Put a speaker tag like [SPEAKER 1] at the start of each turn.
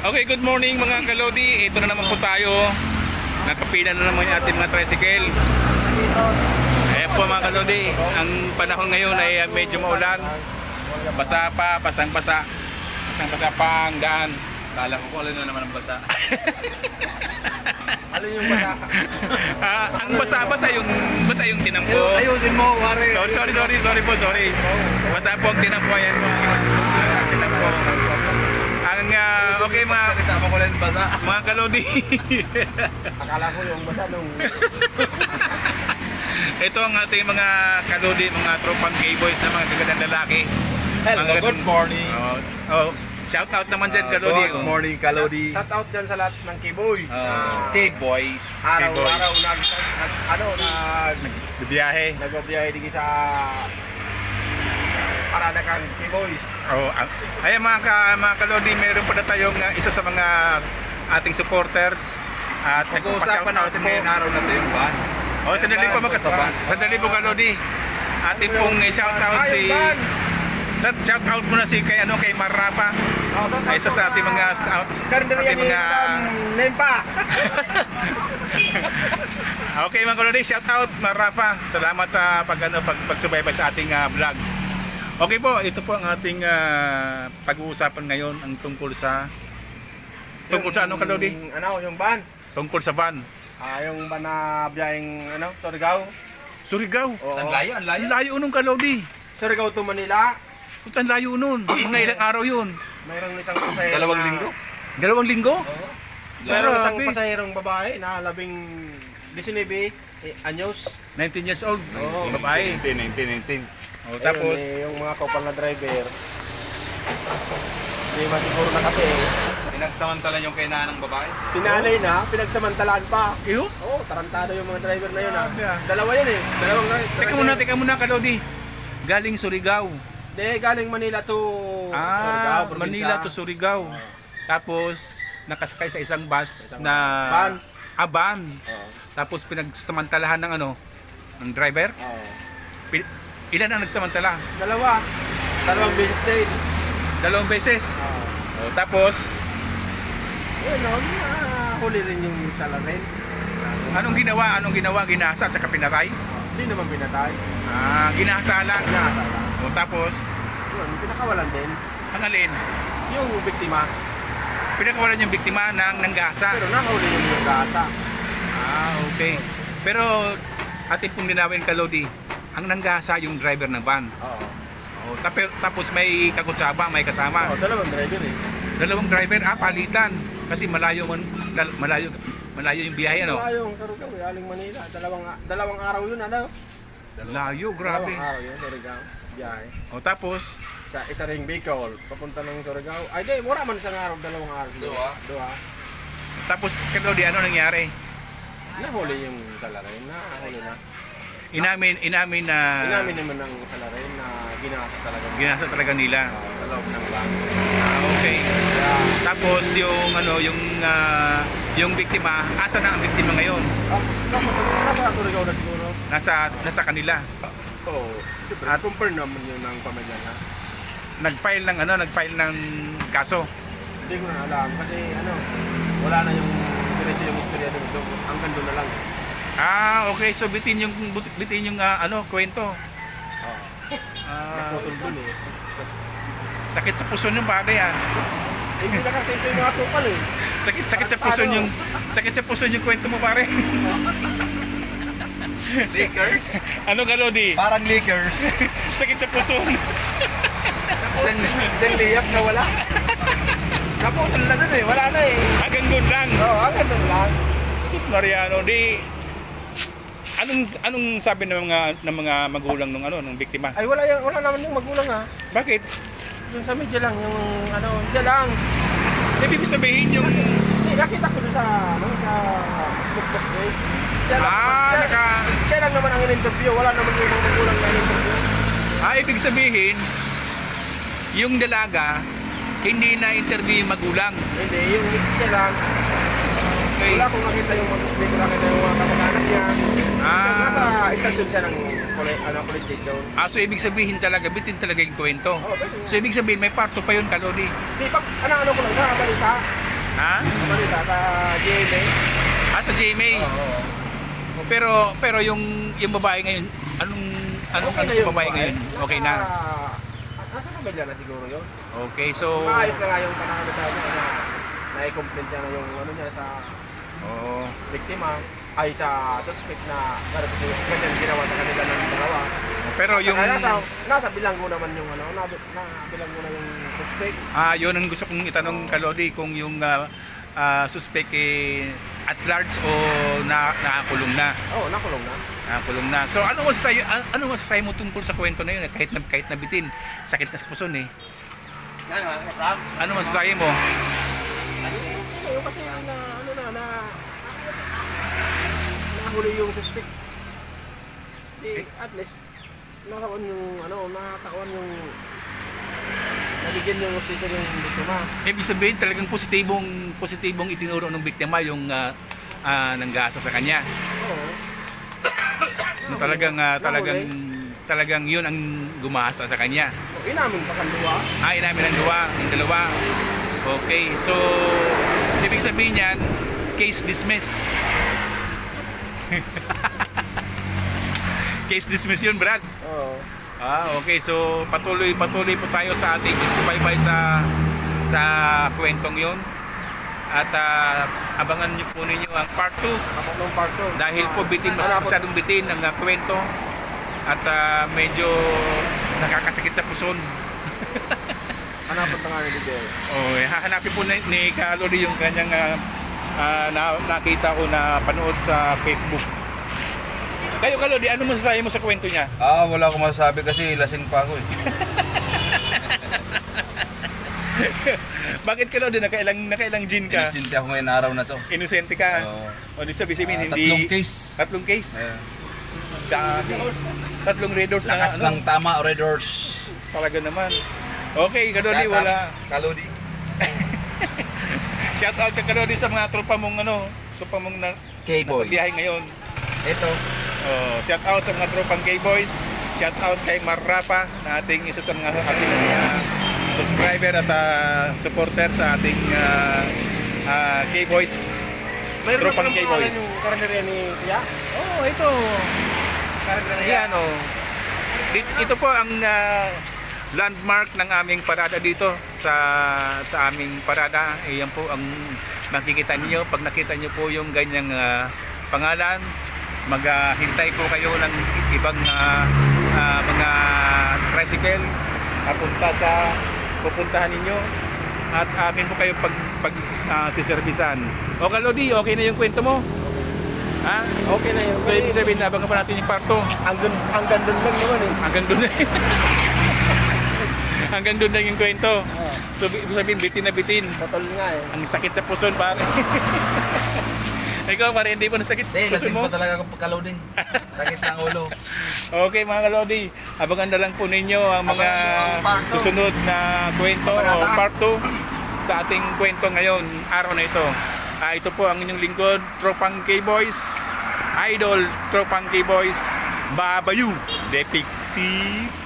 [SPEAKER 1] Okay, good morning mga kalodi. Ito na naman po tayo. Nakapila na naman yung ating mga tricycle. Ayan po mga kalodi. Ang panahon ngayon ay medyo maulan. Basa pa, pasang-basa. Pasang-basa pa ang daan.
[SPEAKER 2] Kala ko alin na naman ang basa.
[SPEAKER 3] Ano yung basa?
[SPEAKER 1] Ang basa-basa yung tinampo.
[SPEAKER 2] Ayusin mo, wari.
[SPEAKER 1] Sorry po. Basa po ang tinampo. Ayan po. Basa ang tinampo. Ang okay
[SPEAKER 2] Salita mo ko lang basa.
[SPEAKER 1] mga kalodi.
[SPEAKER 3] Akala ko yung basa nung...
[SPEAKER 1] Ito ang ating mga kalodi, mga tropang K-boys na mga gagandang lalaki.
[SPEAKER 2] Hello, good morning.
[SPEAKER 1] Shout out naman dyan kalodi.
[SPEAKER 2] Good morning, Kalodi.
[SPEAKER 3] Shout out dyan sa lahat ng K-Boy.
[SPEAKER 2] K-boys.
[SPEAKER 3] Araw-araw
[SPEAKER 1] Bibiyahe.
[SPEAKER 3] nagbabiyahe dito sa Paranakan K-Boys.
[SPEAKER 1] Ayan mga kalodi, meron pa na tayong isa sa mga ating supporters. At
[SPEAKER 2] Pag-uusapan natin ngayong araw na ito yung van.
[SPEAKER 1] Sandali po kalodi. Ating pong shout out si... Shout out muna si kay Marapa. Isa sa ating mga
[SPEAKER 3] Nempa.
[SPEAKER 1] Okay mga kalodi, shout out Marapa. Salamat sa pagsubaybay sa ating vlog. Okay po, ito po ang ating pag-uusapan ngayon ang tungkol sa anong kalodi?
[SPEAKER 3] Yung van.
[SPEAKER 1] Tungkol sa van.
[SPEAKER 3] Yung van na biyaheng Surigao.
[SPEAKER 1] Surigao.
[SPEAKER 3] Oo.
[SPEAKER 2] Ang layo, ang layo.
[SPEAKER 1] Ang layo nun kalodi.
[SPEAKER 3] Surigao to Manila.
[SPEAKER 1] Ang layo nun. Mga ilang araw yun.
[SPEAKER 3] Mayroong isang pasahero.
[SPEAKER 2] 2 linggo.
[SPEAKER 1] 2 linggo?
[SPEAKER 3] Mayroong isang
[SPEAKER 1] Grabe.
[SPEAKER 3] pasahirong babae na 19 anyos.
[SPEAKER 1] 19 years old.
[SPEAKER 3] Oo.
[SPEAKER 1] Babae.
[SPEAKER 2] 19.
[SPEAKER 1] Tapos,
[SPEAKER 3] Ayun, yung mga kopal na driver. Hindi ba siguro na kasi
[SPEAKER 2] Pinagsamantala yung kainaan ng babae.
[SPEAKER 3] pinalay na, pinagsamantalaan pa.
[SPEAKER 1] iyo?
[SPEAKER 3] Oo, tarantado yung mga driver na yun ha.
[SPEAKER 1] Grabe, ah.
[SPEAKER 3] Dalawa yun eh. Dalawang
[SPEAKER 1] Teka muna kalodi. Galing Surigao.
[SPEAKER 3] Hindi, galing Manila to Surigao, probinsya.
[SPEAKER 1] Manila to Surigao. Tapos, nakasakay sa isang bus na...
[SPEAKER 3] Van.
[SPEAKER 1] Van.
[SPEAKER 3] Oo.
[SPEAKER 1] Tapos, pinagsamantalahan ng ng driver.
[SPEAKER 3] Oo.
[SPEAKER 1] Ilan ang nagsamantala?
[SPEAKER 3] Dalawang beses din.
[SPEAKER 1] 2 beses.
[SPEAKER 3] Oo.
[SPEAKER 1] Tapos,
[SPEAKER 3] Yun, huli rin yung salarin.
[SPEAKER 1] anong ginawa? Ginasa at saka pinatay?
[SPEAKER 3] Hindi naman pinatay.
[SPEAKER 1] Ginasa lang. Tapos,
[SPEAKER 3] Yun, pinakawalan din.
[SPEAKER 1] ang alin?
[SPEAKER 3] Yung biktima.
[SPEAKER 1] Pinakawalan yung biktima ng nanggasa.
[SPEAKER 3] Pero nakahuli yung gata.
[SPEAKER 1] Okay. Pero, atin pong linawin kalodi, ang nanggasa yung driver ng van.
[SPEAKER 3] Oo.
[SPEAKER 1] Tapos may kakutsaba, may kasama.
[SPEAKER 3] Oo, dalawang driver eh.
[SPEAKER 1] 2 driver, palitan. Kasi malayo yung biyahe, ano?
[SPEAKER 3] Yung Surigao, galing Manila. Dalawang araw yun,
[SPEAKER 1] Layo, grabe.
[SPEAKER 3] Dalawang araw yun, Surigao. Biyahe.
[SPEAKER 1] Tapos,
[SPEAKER 3] Isa ring Bicol, papunta ng Surigao. Ay, di, mura man isang araw, 2 araw. Dua.
[SPEAKER 1] tapos kalodi, ano nangyari?
[SPEAKER 3] Nahuli yung salarin, nahuli na.
[SPEAKER 1] Inamin na
[SPEAKER 3] Inamin naman ng salarin na ginasa talaga.
[SPEAKER 1] ginasa talaga nila.
[SPEAKER 3] Sa loob ng van.
[SPEAKER 1] Okay. Tapos yung biktima, asa na ang biktima ngayon?
[SPEAKER 3] Nasa Surigao na siguro.
[SPEAKER 1] Nasa kanila.
[SPEAKER 3] Oo. At compare naman yun ng pamilya na.
[SPEAKER 1] Nag-file ng kaso.
[SPEAKER 3] Hindi ko na alam kasi wala na yung diretso yung istorya dito. Hanggang doon na lang.
[SPEAKER 1] Okay. So bitin yung kwento.
[SPEAKER 3] Oo.
[SPEAKER 1] Ah,
[SPEAKER 3] Naputol dun eh.
[SPEAKER 1] sakit sa puso yung pare
[SPEAKER 3] Hindi na kasi ito yung mga tukal eh.
[SPEAKER 1] Sakit sa puso yung kwento mo pare.
[SPEAKER 2] Liquors?
[SPEAKER 1] Ano kalodi?
[SPEAKER 2] Parang liquors.
[SPEAKER 1] Sakit sa puso.
[SPEAKER 2] Isang liyap na wala.
[SPEAKER 3] Naputol na dun eh. Wala na eh.
[SPEAKER 1] Hanggang doon lang.
[SPEAKER 3] Oo, hanggang doon lang.
[SPEAKER 1] Sus Mariano, anong sabi ng mga magulang ng biktima?
[SPEAKER 3] Ay wala naman yung magulang ha.
[SPEAKER 1] Bakit?
[SPEAKER 3] Yung sa media lang, yung dyan lang.
[SPEAKER 1] Ibig sabihin yung
[SPEAKER 3] Hindi, nakita ko doon sa Facebook page. Siya lang naman ang in-interview. Wala naman yung mga magulang na in-interview.
[SPEAKER 1] ibig sabihin yung dalaga hindi na interview yung magulang.
[SPEAKER 3] Hindi, yung siya lang.
[SPEAKER 1] Okay.
[SPEAKER 3] Wala akong makita yung hindi ko nakita yung mga kamag-anak niya. Nasa istasyon siya ng police station.
[SPEAKER 1] So ibig sabihin talaga, bitin talaga yung kwento.
[SPEAKER 3] Oo, bitin.
[SPEAKER 1] So ibig sabihin may parto pa yun kalodi.
[SPEAKER 3] Di, pag ano ko lang, nakabalita.
[SPEAKER 1] Ha?
[SPEAKER 3] Balita sa GMA.
[SPEAKER 1] Sa GMA.
[SPEAKER 3] Oo.
[SPEAKER 1] Pero yung babae ngayon, anong
[SPEAKER 3] Okay na
[SPEAKER 1] sa
[SPEAKER 3] yung
[SPEAKER 1] babae ngayon? Okay na.
[SPEAKER 3] Nasa pamilya na siguro yun.
[SPEAKER 1] Okay, so
[SPEAKER 3] Maayos na nga yung pananamit niya na na-complain niya na yung ano niya sa
[SPEAKER 1] oo.
[SPEAKER 3] biktima ay sa suspect na ganyan ginawa sa kanila ng dalawa.
[SPEAKER 1] Pero yung
[SPEAKER 3] Nasa bilanggo naman yung ano, bilanggo na yung suspect.
[SPEAKER 1] yun ang gusto kong itanong Kalodi kung yung suspect at large o nakakulong na.
[SPEAKER 3] Oo, nakulong na.
[SPEAKER 1] Nakakulong na. So ano masasabi mo tungkol sa kwento na yun? Kahit nabitin, sakit na sa puson eh. Ano masasabi mo?
[SPEAKER 3] Yung kasi nahuli yung suspect. At least nakakawan yung nabigyan yung sisir yung biktima.
[SPEAKER 1] Ibig sabihin talagang positibong itinuro ng biktima yung nanggasa sa kanya.
[SPEAKER 3] Oo.
[SPEAKER 1] Talagang yun ang gumasa sa kanya.
[SPEAKER 3] Inamin pa kanduwa.
[SPEAKER 1] Inamin ang dalawa. Okay, so ibig sabihin yan, case dismissed. Case dismissed yun, Brad.
[SPEAKER 3] Oo.
[SPEAKER 1] Okay, so patuloy po tayo sa ating subaybay sa kwentong yun. At abangan niyo po ninyo ang part 2
[SPEAKER 3] Ng part 2.
[SPEAKER 1] dahil po masyadong bitin ang kwento at medyo nakakasakit sa puson.
[SPEAKER 3] Hanapot na nga ni Bigay.
[SPEAKER 1] Hahanapin po ni Kalodi yung kanyang nakita ko na panood sa Facebook. Kayo Kalodi, ano masasabi mo sa kwento niya?
[SPEAKER 2] Wala akong masasabi kasi lasing pa ako eh.
[SPEAKER 1] Bakit Kalodi, nakailang gin ka?
[SPEAKER 2] Inisinte ako ngayon araw na to.
[SPEAKER 1] Inosente ka?
[SPEAKER 2] Oo.
[SPEAKER 1] O di sabihin, hindi...
[SPEAKER 2] Tatlong case.
[SPEAKER 1] Tatlong case? Dami. Tatlong red doors na
[SPEAKER 2] Lakas ng tama, Red Horse.
[SPEAKER 1] Talaga naman. Okay, Kalodi,
[SPEAKER 2] Shout out,
[SPEAKER 1] wala.
[SPEAKER 2] Kalodi.
[SPEAKER 1] Shout out ka Kalodi sa mga tropa mong tropa mong nasa
[SPEAKER 2] K-Boys.
[SPEAKER 1] biyahe ngayon.
[SPEAKER 2] Ito.
[SPEAKER 1] Shout out sa mga tropang K-Boys. Shout out kay Marrapa na ating isa sa mga ating subscriber at supporter sa ating K-Boys. Tropang K-Boys.
[SPEAKER 3] Yung karinderya ni Kuya?
[SPEAKER 1] Ito. Yan Ito po ang landmark ng aming parada dito sa aming parada. Yan po ang makikita niyo. Pag nakita niyo po yung ganyang pangalan, maghintay po kayo ng ibang mga tricycle pupuntahan ninyo at amin po kayo siservisan. O Kalodi, okay na yung kwento mo? Ha?
[SPEAKER 3] Okay na yun.
[SPEAKER 1] So ibig sabihin, abangan pa natin yung part 2.
[SPEAKER 3] Hanggang doon lang naman eh.
[SPEAKER 1] Hanggang doon na hanggang doon lang yung kwento. So ibig sabihin, bitin na bitin.
[SPEAKER 3] Patol nga eh.
[SPEAKER 1] Ang sakit sa puson, pare. Ikaw, pare, hindi po nasakit sa puson
[SPEAKER 2] Lasing
[SPEAKER 1] mo?
[SPEAKER 2] pa talaga ako Kalodi. Sakit ng ulo.
[SPEAKER 1] Okay mga Kalodi, abangan na lang po ninyo ang mga susunod na kwento o part 2 sa ating kwento ngayon, araw na ito. Ito po ang inyong lingkod, Tropang K-Boys, Idol Tropang K-Boys, Babayu, Detective